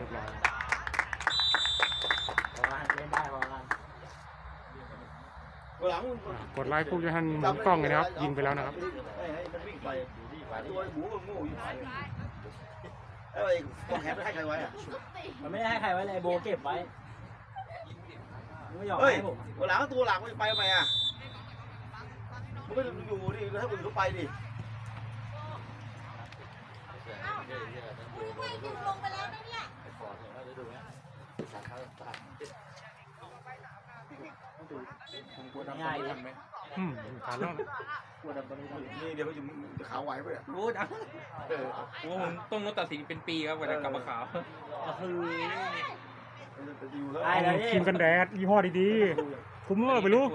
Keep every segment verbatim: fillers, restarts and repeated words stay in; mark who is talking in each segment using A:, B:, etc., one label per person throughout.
A: รียบร้อย
B: พอละเล่นได้พอละ
A: กดไลค์ปุ๊บจะทันหมุนกล้องเลยนะครับยิงไปแล้วนะครับ
C: มันวิ่งไปตัวหมูก็งูอยู่ไปแล้วไอ้กองแขนไม่ให้ใครไว้อะ
B: มันไม่ได้ให้ใครไว้เลยโบเก็บไว้ไม่ยอม
C: เฮ้ย
B: ให้ผม
C: หลังตัวหลังมันไปทำไมอ่ะมันไม่อยู่ดิแล้วให้คนอื่นเขาไปดิ
D: อุ้ยไม่ถึงลงไปแล้วนะเนี่ย
B: ง่ายเลย
A: อืมผ่านแล้วนะ
C: นี่เดี๋ยวจะขาวไหวไปอ่ะ
E: โอ้ดังผมว่าผมต้องงดตัดสินเป็นปีครับกว่าจะกลับมาขาว
B: คือ
C: อยู่แล้ว
B: ได้เลย
A: ครีมกันแดดยี่ห้อดีๆคุ้มเมื่อไปรู้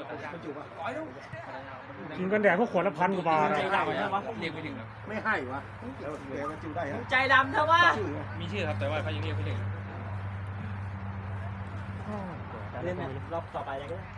A: ครีมกันแดดพวกขวดละพันกว่าบาท
B: ใจดำใช่ปะ
E: เรียกไม่ถึงครับ
C: ไม่ให้วะแล้วแกมันจิ้วได้ฮะ
B: ใจดำใช่ปะ
E: มีชื่อครับแต่ว่าเขายังเรียกไม่ถึง
B: เล่นรอบต่อไปเลยก็ได้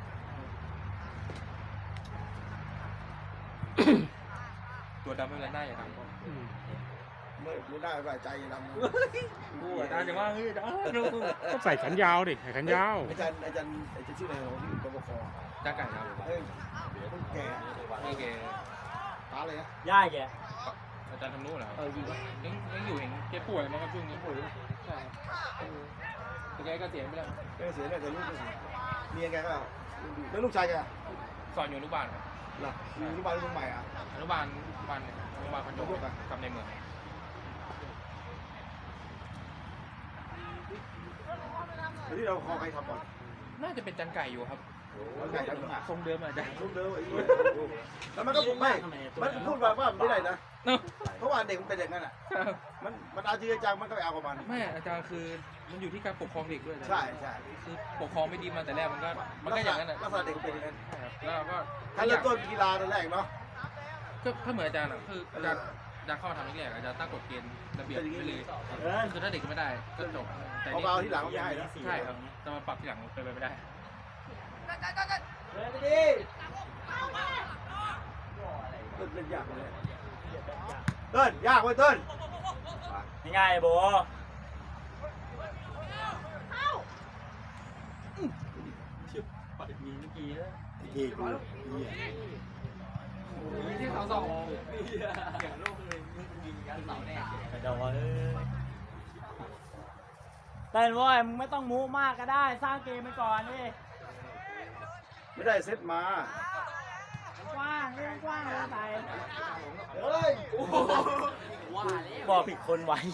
E: ตัวดำไม่เป็นไรหน้าอย่าดำก็
C: ไม่ไม่ได้ว่าใจดำ
E: กูอาจารย์จะว่าเฮ้ยดำดู
A: ก็ใส่แขนยาวดิใส่แขนยาว
C: อาจารย์อาจารย์อาจารย์ชื่ออะไรของที่ปปค
E: จ้าไก่ครับ
C: เฮ้ยแก
E: โอเค
C: ตาเลยนะ
B: ย่ายแก
E: อาจารย์ทำนู้นเหรอ
B: เออยิง
E: ยังยังอยู่เห็นแกป่วยมั้งครับช่วงนี้ป่วยใช่แต่แกก็เสียไปแล้ว
C: แกเสียแล้วแต่ลูกก็เสียเมียแกก็แล้วลูกชายแก
E: สอนอยู่อนุบาลครับ
C: ล่ะอยู่ที่บ้านลูกใหม่อ่ะ
E: อนุบาลอนุบาลเนี่ยอนุบาลคอนโดกับในเมือง
C: ที่เราคอใครทำก่อน
E: น่าจะเป็นจันไก่อยู่ครับ
C: ไก่ทำก่อน
E: ทรงเดิมอาจารย์
C: ลูกเดิมไอ้เหี้ยแล้วมันก็ไม่มันพูดว่าว่าไม่ได้นะ เพราะว่าเด็กมันเป็นอย่างนั้นอ่ะ มันมันเอาจริงจังมันก็ไปเอากับมัน
E: ไม่อาจารย์คือมันอยู่ที่การปกครองเด็กด้วย
C: ใช่ใช่
E: คือปกครองไม่ดีมาแต่แรกมันก็มันก็อย่างนั้นอ่ะ
C: ลักษณะเด็กเป็นอย่างนั้น
E: แล้วก็
C: ถ้าเริ่มต้นกีฬาตอนแรกเนาะ
E: ก็ถ้าเหมือนอาจารย์อ่ะคืออาจารย์อาจารย์เข้ามาทำแรกๆอาจารย์ตั้งกฎเกณฑ์ระเบียบไปเลย
B: เออ
E: คือถ้าเด็กไม่ได้ก็จบแต่
C: เอา
E: นี่
C: เบาที่หลังไม่ให้นะ
E: ใช่ครับจะมาปรับที่หลังเป็นไปไม่ได้
B: เล่นไปดิ
C: เล่นยากเลยเต้นยากเว้ยเต้น
B: ง่ายโบ
E: มีเมื่อกี้แล้ว
C: ที่กู
E: ที่เสาสองอย่างโลกเลยยิงยันเสาแน่
B: กระโดดเต้นว่ามึงไม่ต้องมูมากก็ได้สร้างเกมไปก่อนดิ
C: ไม่ได้เซตมาก
B: ว้างเรื่องกว้างเลยไป
C: เฮ้ย
B: บอกผิดคนไว้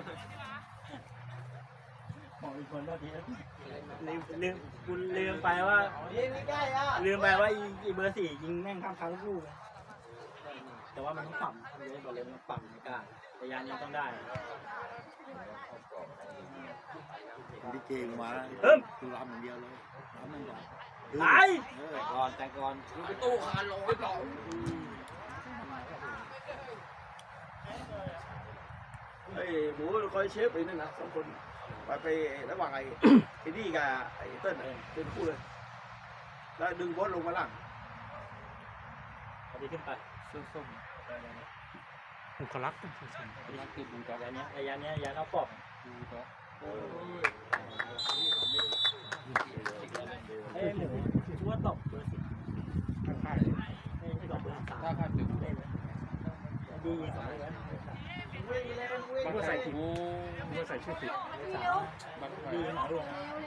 B: บอกผิดคนเมื่อกี้ลืมลืมคุณลืมไปว่า
C: ยิงไม่ได้อ่ะ
B: ลืมไปว่าอีเบอร์สี่ยิงแม่งข้ามครั้งลูกแต่ว่ามันต้องปรับเลยบอกเลยมันต้องปรับในการแต่ยานนี้ต้องได้
C: ดิเกงมา
B: เอิ่ม
C: คือรำอย่างเดียวเลยรำมันก่อน
B: ตาย
C: เออก่อนแต่ก่อน
E: ไปตู้คานลงไปหลอก
C: ไอ้หมูคอยเชฟไปนั่นนะสองคนไปไประหว่างไอ้ไอ้นี่กับไอ้เติ้ลเป็นคู่เลยแล้วดึงบอสลงมาล่าง
B: พอดีขึ้นไป
E: ส้ม
A: อุคลักษณ์
E: ๆรักคือบูต๊อก
B: ยานนี้ยานนี้ยานเอาปอบ
E: บูต๊อก
B: เอ้ยหมูชั่วตบเบอร์สิบ
E: ค่าย
B: ไม่ใช่ตบเบอร์สาม
E: ถ้าค่ายตึก
B: เล่นดีสองเลย
A: บางใส่ผิดบางใส่ชื่อผิด
E: บางค่าย
B: ดีหนาดวง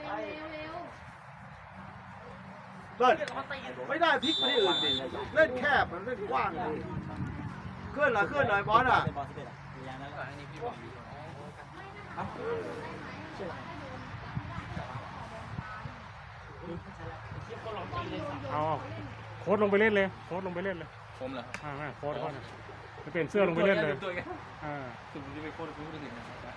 C: เติ้ลไม่ได้พลิกไปที่อื่นดิเล่นแคบมันเล่นกว้างดิเคลื่อนหน่อยเคลื่อนหน่อยบอสอ่ะ
B: เป็นบอลสิบเอ็ดอ่ะยานนั้น
E: อันนี้พี่บอก
A: เอาโค้ดลงไปเล่นเลยโค้ดลงไปเล่นเลย
E: ผมเหรอ
A: อ่าไม่โค้ดโค้ดจะเปลี่ยนเสื้อลงไปเล่นเลย
E: ตัวไง
A: อ่า
E: คือผมจะไปโคตรรู้สึกนะครับ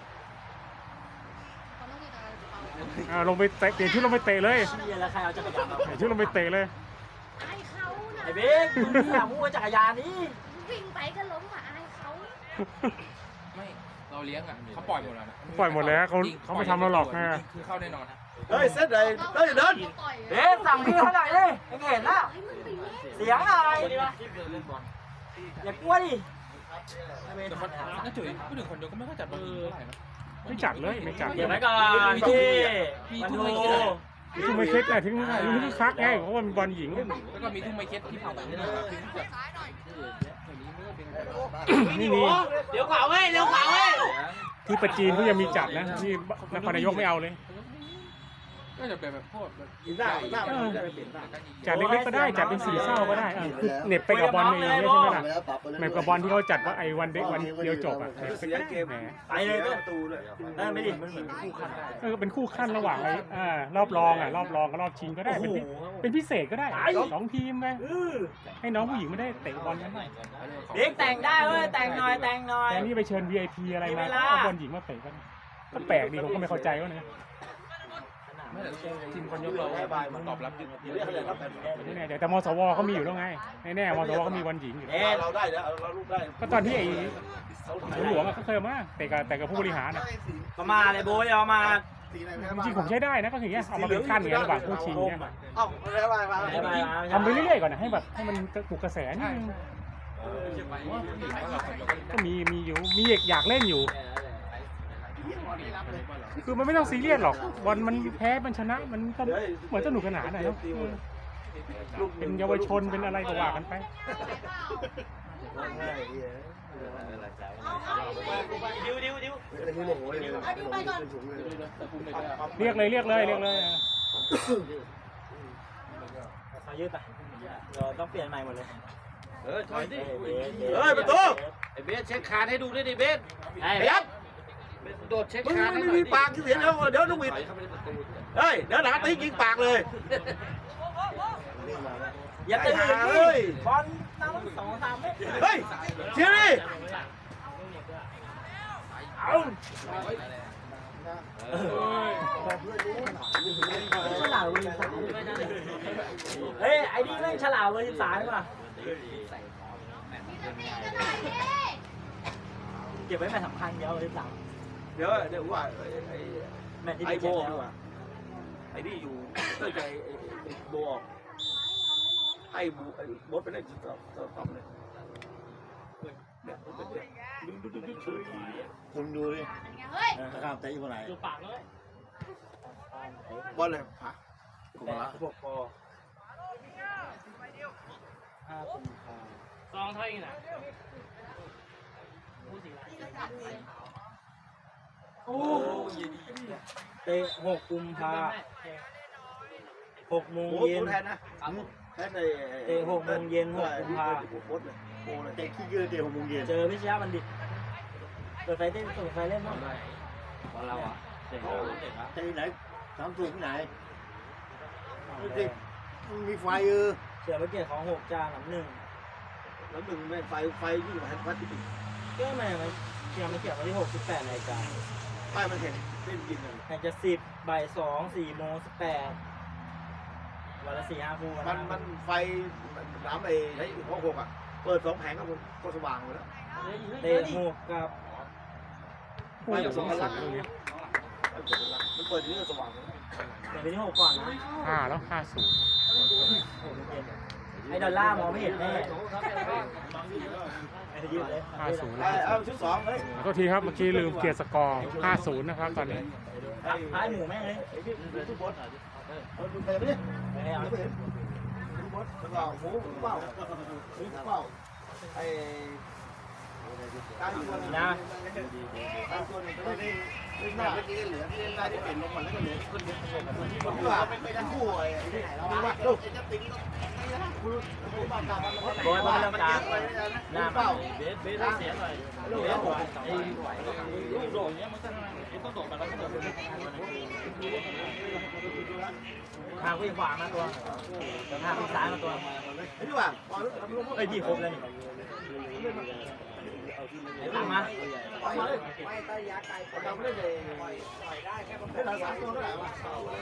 A: อ่าลงไปเตะเปลี่ยนชุดลงไปเตะเลย
B: เชียแล้วใครเอาจักรยานมา
A: เปลี่ยนชุดลงไปเตะเลย
D: อายเขาน่ะ
B: ไอ้เบ๊กมึงอยากมูจักรยานนี้
D: วิ่งไปก็ล้มอ่ะอายเขา
E: ไม่เราเลี้ยงอ่ะเขาปล่อยหมดแล้วนะ
A: ปล่อยหมดแล้วเขาเขาไม่ทำเราหรอกนะ
E: คือเข้าแน่นอน
C: เฮ้ยเซตไหนเฮ้ยเดิน
B: เบ๊กสั่งพี่เขาหน่อยดิไม่เห็นนะ
D: ให้มันไปเล่น
B: เสียงอะไรอย่ากลัวดิ
E: แต่คนน่าจุ๋ยพูดถึงคนเดียวก็ไม่ค่อยจัดบอลหญิงเท่าไหร่นะ
A: ไม่จัดเลยไม่จัด
B: เดี๋ยวไว้ก่อนพี่มันโท
A: ทุ่มไม่เค็ดนะถึงถึงที่คักไงเพราะว่ามันบอลหญิง
E: แล้วก็มีทุ่งไม้เค็ดที่เผาแบบนี้นะครับที่แบบ
A: นี่นี่
B: เดี๋ยวขวาเว้ยเดี๋ยวขวาเว้ย
A: ที่ประจีนเขายังมีจัดนะที่นครนายกไม่เอาเลย
E: ก็จะเป็นแบบพวกแบบ
C: หน้าหน้ามันจะเปลี่ยนหน้า
A: จัดเล็กๆก็ได้จัดเป็นสีเศร้าก็ได้อ่ะคือเหน็บไปกับบอลเองใช่ไหมล่ะเหน็บกับบอลที่เขาจัดว่าไอ้วันเด็กวันเดียวจบอ่ะเหน็บไป
C: เสี
A: ก็
C: ย
A: ได้
C: เกม
A: แหม
B: ไปเลยก็
C: ประตูเลย
B: เออไม่ดิมันเหมือนคู่ขั้นได้
A: เออเป็นคู่ขั้นระหว่างไอ้อ่ารอบรองอ่ะรอบรองกับรอบชิงก็ได้เป็นพิเป็นพิเศษก็ได้สองทีมไปให้น้องผู้หญิงไม่ได้เตะบอลกันหน่อย
B: เด็กแต่งได้เว้ยแต่งหน่อยแต่งหน่อย
A: แต่นี่ไปเชิญ วี ไอ พี อะไรมาก็เอาบอลหญิงมาเตะกันก็แปลกดีผมก็ไม่เข้าใจว่าเนี่ย
E: ไม่แต่ทีมคนยกเรามันตอบรับยึด
C: เรียกอะไรครับ
A: ไม่แน่ใจแต่มสวเขามีอยู่แล้วไงแน่ๆมสวเขามีบอลหญิงอยู่
C: เราได้แล้วเราลูกได้
A: ก็ตอนที่ไอ้หลวงเขาเคยมาแต่กับแต่กับผู้บริหารอ่ะ
B: ก็มาเลยโบยเอามา
A: จริงๆผมใช้ได้นะก็อย่างเงี้ยเอามาเป็นขั้นไงระหว่างคู่ชิงเนี่ย
C: เอ้าอะไรมา
A: ทำไปเรื่อยๆก่อนนะให้แบบให้มันปลุกกระแสนิดนึงก็มีมีอยู่มีอยากเล่นอยู่ คือมันไม่ต้องซีเรียสหรอกบอลมันแพ้มันชนะมันก็เหมือนสนุกสนานนะเนาะเป็นเยาวชนเป็นอะไรก็ว่ากันไป
B: ดิวดิวดิว
A: เรียกเลยเรียกเลยเรียกเลย
B: มายืดไปเราต้องเปลี่ยนใหม่หมดเลย
C: เออถอยดิเฮ้ยประตู
E: ไอ้เบสเช็คคานให้ดูด้วยดิเบส
B: ไอ้
C: ไอ้ยับ
E: โดดเช็ค
C: มึง
E: คาน
C: ไม่มีปากที่เสียเดี๋ยวเดี๋ยวต้องบิดเฮ้ยเดี๋ยวหนาตียิงปากเลย
B: อย่าตื่นเลยบอลน้ำสองสามเมตร
C: เฮ้ยเชียร์ดิเอา
B: ฉลาดเวอร์สิบสามเฮ้ยไอ้นี่แม่งฉลาดเวอร์สิบสามป่ะเก็บไว้แมตช์สำคัญเดียวเวอร์สิบสาม
C: เดี๋ยวเดี๋ยวว่าไอ้
B: แมตช์ที่
C: ไอ้
B: ได้
C: โบ
B: แชมป์แล้ว
C: อ่ะไอ้นี่อยู่ตั้งใจไอ้โบออกให้บูไอ้บดไปเล่นต่อต่อต่อเลยดูดูดูดู
F: คุณดูดิ
D: เฮ้ย
F: นะครับแต่อยู่คนไหน
B: ดูปากเลย
C: บอลเลยผ่า
F: กูมาละ
B: พวกปอห้ากุมภาซองเท่าไหร่นะโอ้เตะหกกุมภาหกโมง
C: โบ
B: เย็น
C: แทนนะแทนใน
B: เตะหกโมงเย็นหกกุมภา
C: โบเลยโบเลย
F: เตะขี้เกียจเตะหกโมงเย็น
B: เจอพิชยาบัณฑิตเปิดไฟเต้นเปิดไฟเล่นมั้ง
E: ของเราอ่ะเด็กเด็กละ
F: เตะที่ไหนสามสูงที่ไหนเด็กมีไฟเออ
B: เสือประเกียรติของหกจานหลังหนึ่ง
C: แล้วมึงไม่ไฟไฟยิ่งกว่าพัดที่ติด
B: ก็ไม่มันเขียนมันเขียนวันที่หกสิบแปดนาฬิกา
C: ป้ายมันเห็นเล่นกินเลย
B: แข่งจะสิบบ่ายสองสี่โมงสิบแปดวันละสี่ห้าคู่
C: มันมันไฟน้ำไอ้ไอ้หัวหกอ่ะเปิดสองแผงก็ก็สว่างเลยแล้ว
B: เตะหกกับ
A: พูดสองสุดตรงนี้
C: มันเปิดนี่ก็สว่างเลย
B: เตะไปที่หกก่อนนะ
A: ห้าแล้วห้าศูนย์
B: ไอ้ดอลล่ามองไม่เห็นแน่ไอ้ยืดเลย
A: ห้าศูนย์
C: เอาชุดสองเฮ้ย
A: ขอโทษทีครับเมื่อกี้ลืมเกียร์สกอร์ห้าศูนย์นะครับตอนนี้
B: ท้ายหมูแม่งเลย
C: ไอ้พี่ทุกบดเออดูเตะไปดิ
B: ไม่ให้เอา
C: ไม่เห็นทุกบดแล้วก็หมูเป้าหมูเป้าไอ้การอยู่ตัวนึง
B: นะ
C: การตัวนึงไม่ได้เล่นหน้าเมื่อกี้เหลือที่เล่นได้ที่เป็นลงมาแล้วก็เหลือคนเดียวผมว่าเป็นไปทั้งคู่ไอ้ที่ไหนแล้ววะลูก
B: โดยมันเริ่มกลางหน้า
C: เป้า
B: เบสเบสเสียหน่อยเบสผมไอ้โดดเนี้ยมันก็ต้องโดดมันแล้วก็โดดทางวิ่งขวามาตัวทางวิ่งซ้ายมาตัว
C: ไอ้ที่ว่า
B: ไอ้พี่ครบแล้วนี่ไอ้ตามมา
C: ไม่ใต้ยาไก่เราไม่ได้เลยได้หลายสามตัวเท่าไหร่วะ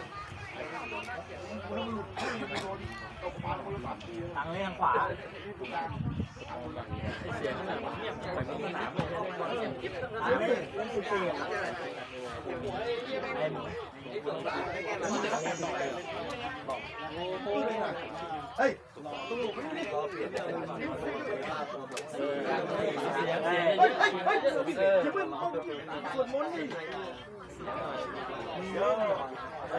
B: ทางเลี้ยงขวา
E: เสียงขนาดว่าเนี่ยแต่ไม่มีน้ำเลย
B: ทางเลี้ยงเลี้ยงสิบสี่ไอ้
C: เฮ้ย
B: ขอ
C: เปลี่ยนเรื่องมัน
B: เสียเสีย
C: เฮ้ยเฮ้ยเฮ้ยอย่าเพิ่งสวดมนต์นี่เยอะไอ้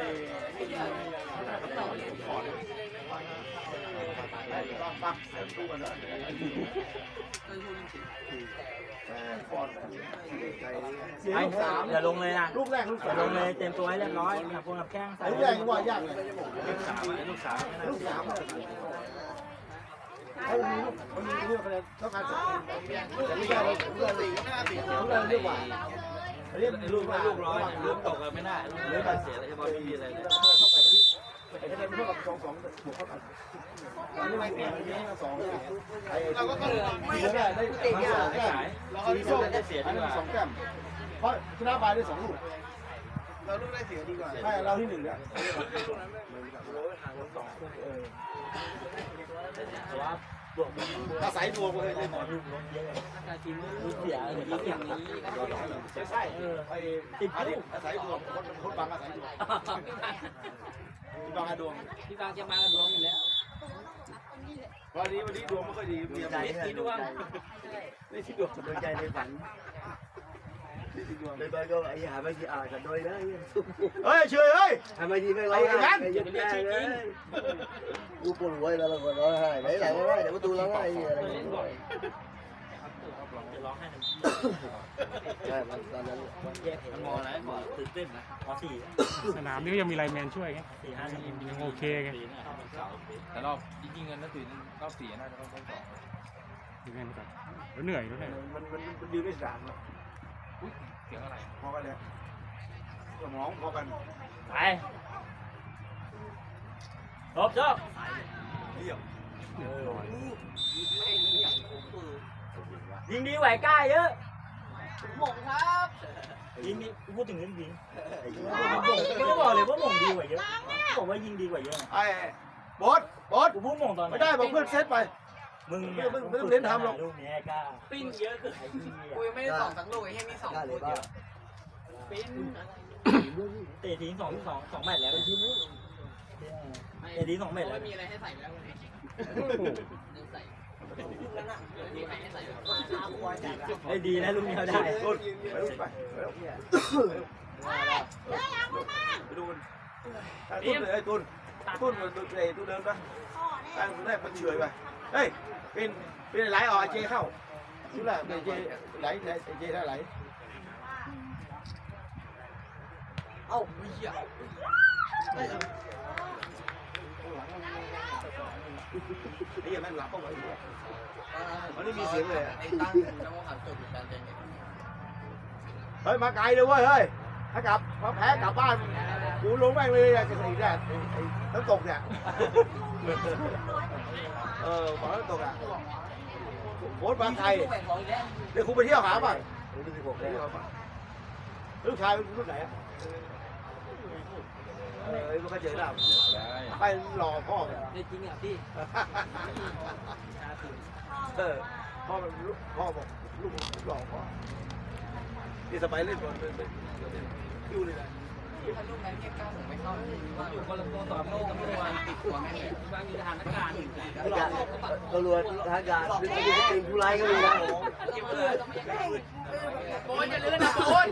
C: ปักดูกันนะฟอน
B: ไอ้อย่าลงเลยนะ
C: ลูกแรกลูก
B: อย่า
C: สาม
B: ลงเลยเตรียมตัวให้เรียบร้อยนะพวกกับแข้งใส่
C: ลูกแรกว่ายากเลย
B: ลูกสามลูกสาม
C: ลูกสามเขามีลูกมันมีเรื่องอะไรต้องการจะแต่ไม่ได้เราเรื่องสี่ห้าสี่เรื่องเรื่องกว่าเรียก
B: ลูกลูกร้อยลูกตกกันไม่ได้ลูกเลี้ยงเสียแล้วจะบอลมีอะไรเลย
C: เข้าไปที่ไอ้ที่เป็นพวกสองสองบวกเข้ากันอันนี้ไม่เปลี่ยนอันนี้สองไอ้เราก็ไม่ได้ได้ได้สองแก้มเราเอาที่ส้มได้เสียดีกว่าสองแก้มเพราะชนะบายได้สองลูกเราลูกได้เสียดีกว่าใช่เราที่หนึ่งเนี่ย
B: แต่ว่าบวก
C: อาศัยดวงเลยเลยหมอ
B: ลูกล้มเยอะทีมลูกเสียอย่างนี้อย่างนี้
C: ใช่ไอ้ติดอาศัยดวงคนคนบางอาศัยดวงบางดวง
B: พี่บางจะมากับดวงอยู่แล้ว
C: วันนี้วันนี้ดวงไม่ค่อยดีมีอะไร
B: ทีดวง
C: นี่ที่ดวงโดยใจในฝันนี่ที่ดวง
F: เลยไปก็ไอ้หาไม่กี่อ่านกันด้วยนะ
C: เฮ้ยเฉยเฮ้ย
F: ทำไมดีไม่ร้องไห้ยันแก่เลยกูปวดหัวแล้วเราก็ร้องไห้ไหนไหนร้องไห้เดี๋ยวประตูร้องไห้อะไรอย่างเงี้ย
B: จะร้องให้
F: ใช่ตอนนั้น
B: แยกมออะไรมอตื่นเต้นนะมอสี่
A: สนามนี้ก็ยังมีไลน์แมนช่วยไง
B: สี่ห้าทีม
A: ยังโอเคไง
E: แต่รอบจริงๆเงินนักตื่นรอบสี่น่าจะต้องต้องสอง
A: ดูเงินก่อนแล้วเหนื่อยด้วย
C: มันมันมันดีไม่สาม
E: อุ้ยเสียงอะไร
C: พอกันเลยสมองพอกัน
B: ไปจบจบ
C: เรียบ
B: ยิงดีไหวกล้าเยอะหม่งครับยิงดีพูดถึงเรื่องยิงก็บอกเลยว่าหม่งดีกว่าเยอะบอกว่ายิงดีกว่าเยอะ
C: ไอ้บอสบอส
B: กูพูดหม่งตอน
C: ไม่ได้บอกเพื่อนเซตไป
B: มึง
C: ไม่ต้องเน้นทำหรอก
B: ลูกนี้กล้าปิ้นเยอะเกิน
F: กูยังไม่ได้สองสักลูกไอ้เหี้ยมีสองลูกเดียว
B: เตะทีสองสองสองแมตช์แล้วเป็นทีมนี้เตะทีสองแมตช์แล้ว
F: มีอะไรให้ใส่แล้วใส่
B: ไอ้ดีนะลูกนี้เขาได้
C: ต้นไปไปไปดูมันต้นเลยไอ้ต้นต้นมันต้นเลยต้นเดินไปตั้งต้นแรกมันเฉยไปเฮ้ยเป็นเป็นไหลออกเจเข้าชื่ออะไรเป็นเจไหลไหลเจได้ไหล
F: เอ้าไม่เหี้ย
C: ไอ้ยังแม่งหลับเข้าไปมันไม่มีเสียงเลย
F: ไอ้ตั้งน้ำมันขันจุดการเจน
C: เฮ้ยมาไกลเลยเว้ยเฮ้ยถ้ากลับมาแพ้กลับบ้านกูลงแม่งเลยอะจะสีแดดไอ้น้ำตกเนี่ยเออบอกน้ำตกอ่ะโบ๊ทบางไทยเดี๋ยวคุณไปเที่ยวหาป่ะลูกชายเป็นรุ่นไหนอ่ะเออลูกเขาเจอหน้าไปหล่อพ่อ
B: ในจริงอ่ะพี่
C: เออพ่อลูกพ่อบอกลูกหล่อพ่อที่สบายเล่นบอลเป็นเป็นคิวเลยนะ
F: ลูกนั้นเนี่ยก้าวผมไม่เข้า
B: อยู่คนละตัวต่อโลกตำรวจติดหัวแม่บางอยู่ทหารอากาศ
F: ตำรวจทหารการเป็นเป็นผู้ร้ายก็มีนะ
B: โอนจะเลื่อนนะโอน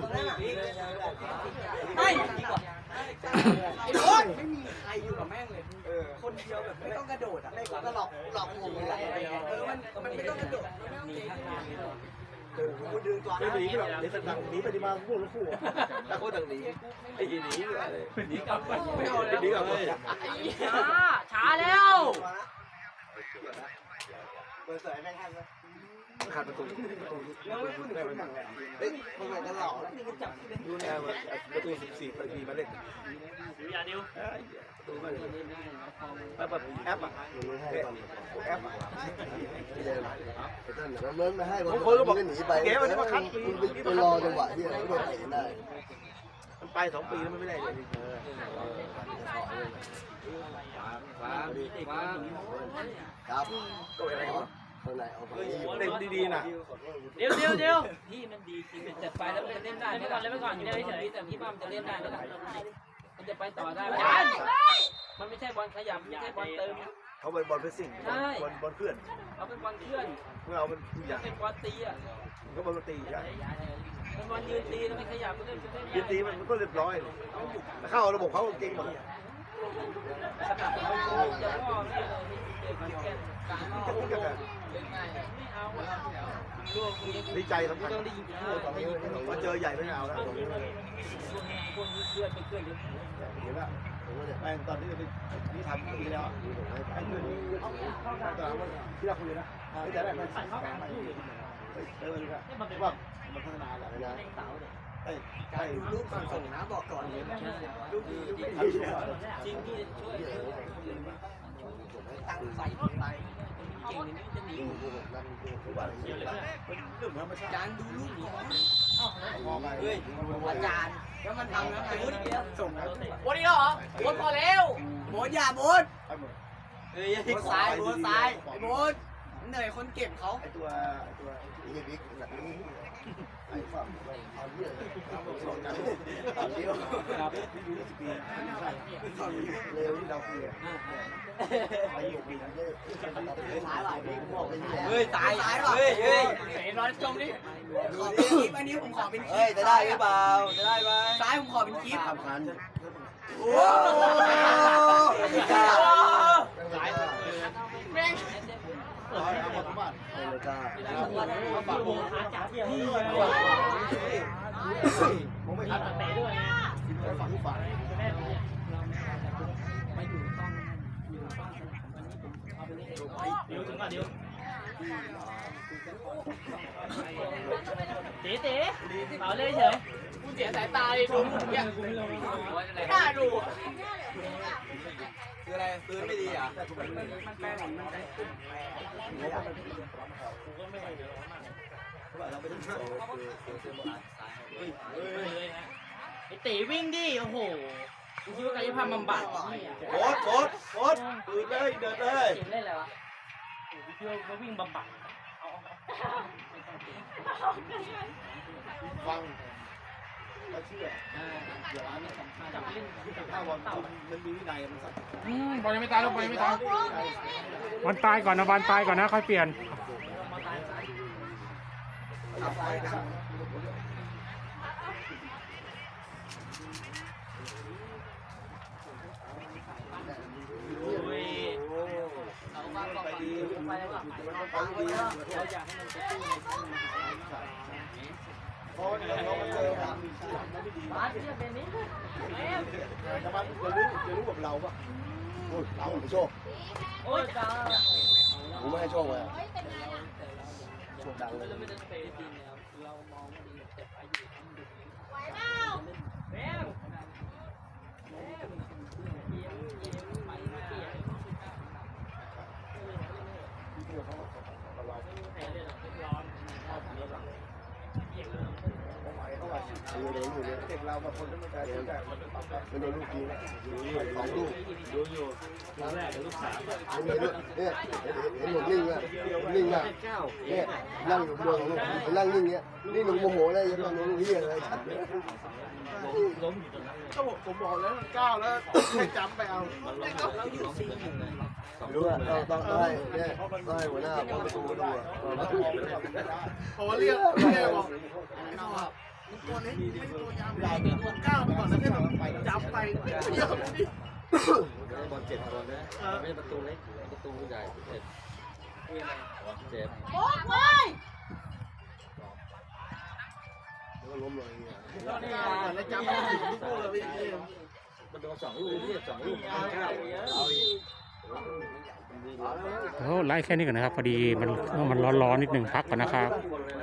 B: ไม่ดีกว่าไอ้โอนไม่มีใครอยู่กับแม่งเลยคนเดียวแบบไม่ต้องกระโดดอ่ะไม่ก็หลอกหลอกงงอะไรเออมันมันไม่ต้องกระโดดมีทางการกูดึงตัว
C: ไม่หนีหรอกเดี๋ยวต่างหนีไปดีมาพูดแล้วคู่แต่คนต่างหนีไอ้หนีอะไรหนีกลับไม่เอาแล้วหนีกลับเลย
B: ช้าช้าแล้ว
C: เปิดสายแม่งทันไหมขาดประตูยังไม่พูดถึงคนต่างเลยเฮ้ยมึงไหนกันหล่อดูแนวประตูสิบสี่ปีมาเล่น
B: อย่าดิว
C: ประตูมาเลยแบบแอปอ่ะแอปอ่ะ
F: เลิกมาให้บอลก็บอกหนีไปคุณไปรอจังหวะที่เราโดนเตะได้
C: มันไปสองปีแล้วมันไม่ได้เลย
F: ครับ
C: ก็อะไรกัน
F: ข้างในเอาไป
C: เล่นดีๆนะ
B: เดี๋ยวเดี๋ยวเดี๋ยวพี่มันดีจริงแต่ไปแล้วมันเล่นได้ไม่ก่อนเล่นไปก่อนอยู่ได้เฉยแต่พี่ป้ามันจะเล่นได้มันจะไปต่อได้มันไม่ใช่บอลขยับไม่ใช่บอลเติม
C: เขาเป็นบอลเพสซิ่งบอลบอลเคลื่อน
E: เขาเป็นบอลเคลื่อน
C: เมื่อเราเป็นผู้ใหญ่
E: เป็นบอลตีอ่ะ
C: มันก็บอลตีใช่
E: เป็นบอลยืนตีแล้วไม่ขยับก็เล่นเล่น
C: ยืนตีมันก็เรียบร้อยเข้าระบบเขาเก่งหมด
E: ขนาดเราจะล่อไม่เลยเด็กแก่การล่อเล่นง่ายไม่เอาลูกนี้
C: ดีใจสำคัญ
E: ต้องได้ยิง
C: พอเจอใหญ่ไม่เอาแล้ว
E: พวกนี้พวกนี้เคลื่อนเป็นเคลื่อนเดี๋ยว
C: เห็นป่ะแม่งตอนที่เราไปนี่ทำปีแล้วไอ้เพื่อนตอนนั้นที่เราคุยนะแต่แรกมันใส่เข้าไปเออว่ามันพัฒนาแล้วนะไอ้ไอ้
B: รูปก่อนส่งนะบอกก่อนเลยรูปดีรูปดี
E: จริงที่ช่วย
B: ตั้งใส่ไป
E: เก่งนี้จะหนี
B: จานดูรูปนี้
C: เฮ้ย
B: อาจารย์แล้วมันทำแล้วไงส่งแล้ว
E: โบนี่เหรอโบพอแล้ว
B: โบดอย่าโบด
E: เฮ้ย
B: โบดซ้ายโบดซ้ายไอ้โบดเหนื่อยคนเก็บเขา
C: ไอ้ตัวไอ้ตัวไอ้บิ๊กแบบนี้ไอ้ฝั่งเอาเยอะเอาเยอะครับพี่ดูสิปีเร็วที่เราคุยไปอยู่ปีนั้นเลย
B: ซ้ายไหวพี่ผมบอกไปที่แล้ว
E: เฮ้ยตาย
B: ซ้ายว่ะ
E: เฮ้ยเฮ้ยเห็นร้อนจมดิ
B: ขอเป็นคลิปอันนี้ผมขอเป็นคลิป
F: เฮ้ยจะได้หรือเปล่าจะได้ไหม
B: ซ้ายผมขอเป็นคลิป
C: สำคัญ
B: โอ้
E: แม่ง
C: ร้อยเอาหมดทุกบ้าน
F: ไม่กล้า
C: มาฝากผมผมไม่ทัน
E: เตะด้วย
C: ไปฝากทุกฝ่าย
E: มาอยู่ต้องอยู่ต้องเอาไปนี่เดี๋ยวถึงก่อนเดี๋ยวเต๋เต๋เปล่าเลยเฉยกูเสียสายตาเลยดูเนี่ยไม่กล้าดู
B: คืออะไรปืนไม่ดีอ่ะ
E: ไอ้เต๋วิ่งดิโอ้โหกูคิดว่ากายภาพบำบัด
C: โคตรโคตรโคตรตื่นเลยเดินเลย
E: เก่งเล่นอะไรวะกูคิดว่าเขาวิ่งบำบัดเอา
C: ฟังเราเชื่อ
E: เดี๋ยวนี้สำคัญจับเล่นจับ
C: ถ้า
E: บ
C: วั
E: อน ลเต่า
C: มันมีวินัยมันสั่ง
A: อืมบอลยังไม่ตายลูกบอลยังไม่ตายวันตายก่อนนะวันตายก่อนนะค่อยเปลี่ยน
E: โอ้ยเอาบ้างไปดีไปแล้วก็ไปดีเราอยากให้มันไปสู้ในช่วงนี้
C: เพราะเรามันเจอความมีชื่อไม่ดี
E: บาสเนี่ยเป็นนี้
C: แต่มันจะรู้จะรู้กับเราป่ะเราไม่โชค
E: โอ้ยจ้า
F: ผมไม่ให้โชคเลย
D: เฮ้ยเป็นไงล่ะ
F: โชคดังเลย
E: เราไม่ได้เตะจริงแล้วเรามองว่าดีแต่อายุทำดึก
D: ไหวเปล่า
E: แม่แม่เยี่ยมเยี่ยมไปเปลี่ยนแต่เรื่องร้อน
F: อยู่เลยอยู่เลย
C: เด็กเราบางคนก็ไม่ได้แต่มันต้องปรับ
F: ไม่โดนลูกยิงสองลูก
C: ดูอยู่ครั้งแรกลูกสาว
F: ผมเห็นเนี่ยเห็นผมนิ่งอ่ะนิ่งอ่ะเนี่ยนั่งอยู่บนของนั่งนิ่งเงี้ยนี่หนุ่มโมโหเลยยังหนุ่มเฮียเลยชัดเลย
C: ก็บอกผมบอกแล้วก้าวแล้วให้จำไปเอา
B: เราอยู่ซีหนึ่ง
F: รู้อ่ะต้องต้องให้เนี่ยต้องให้หัวหน้าผมไปดูดูอ่ะ
C: พอเรียกเรียกบอก
B: นอกตัวเล็กไม่ตัวยาว
C: ใหญ่ตัวก้าวไปก่อนแล้วให้แบบจำไปเยอะนี่
G: บอลเจ็ดคนนะไม่ใช่ประตูเล็กประตูใหญ่เจ็ดเจ็ด
D: โอ๊ยเว้ย
F: แล้วก็ล้มเลยเนี่ย
C: ก้าวก่อนแล้วจำไปถึงทุกลูกเลยพี่
G: มันโดนสองลูกเรียกสองลูกเก้าเอาอีก
A: โอ้ไล่แค่นี้ก่อนนะครับ พอดีมันมันร้อนๆนิดนึงพักก่อนนะครับ
G: คนเลย